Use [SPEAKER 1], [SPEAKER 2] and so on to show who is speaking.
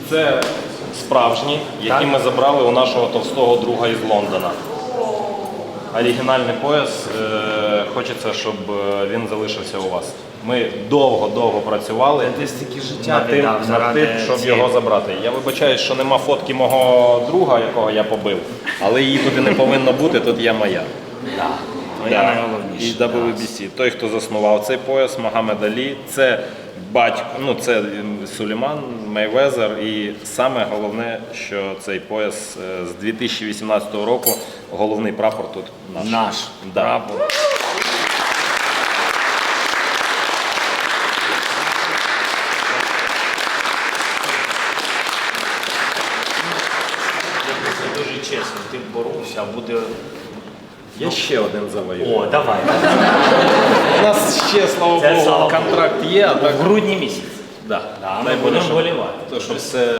[SPEAKER 1] Це справжні, які ми забрали у нашого товстого друга із Лондона. Оригінальний пояс, хочеться, щоб він залишився у вас. Ми довго працювали над тим, щоб його забрати. Я вибачаюсь, що нема фотки мого друга, якого я побив, але її туди не повинно бути, тут є моя.
[SPEAKER 2] Моя найголовніша.
[SPEAKER 1] І WBC. Той, хто заснував цей пояс, Могамед Алі, це батько, це Сулейман Мейвезер. І саме головне, що цей пояс з 2018 року, головний прапор тут наш.
[SPEAKER 2] Наш прапор. Дуже чесно, ти боровся, а буде...
[SPEAKER 1] Я ще один завоюю.
[SPEAKER 2] О, давай.
[SPEAKER 1] У нас ще, слава Богу, контракт є, а так...
[SPEAKER 2] В грудні місяці.
[SPEAKER 1] Да.
[SPEAKER 2] Ми будемо вболівати.
[SPEAKER 1] То, що все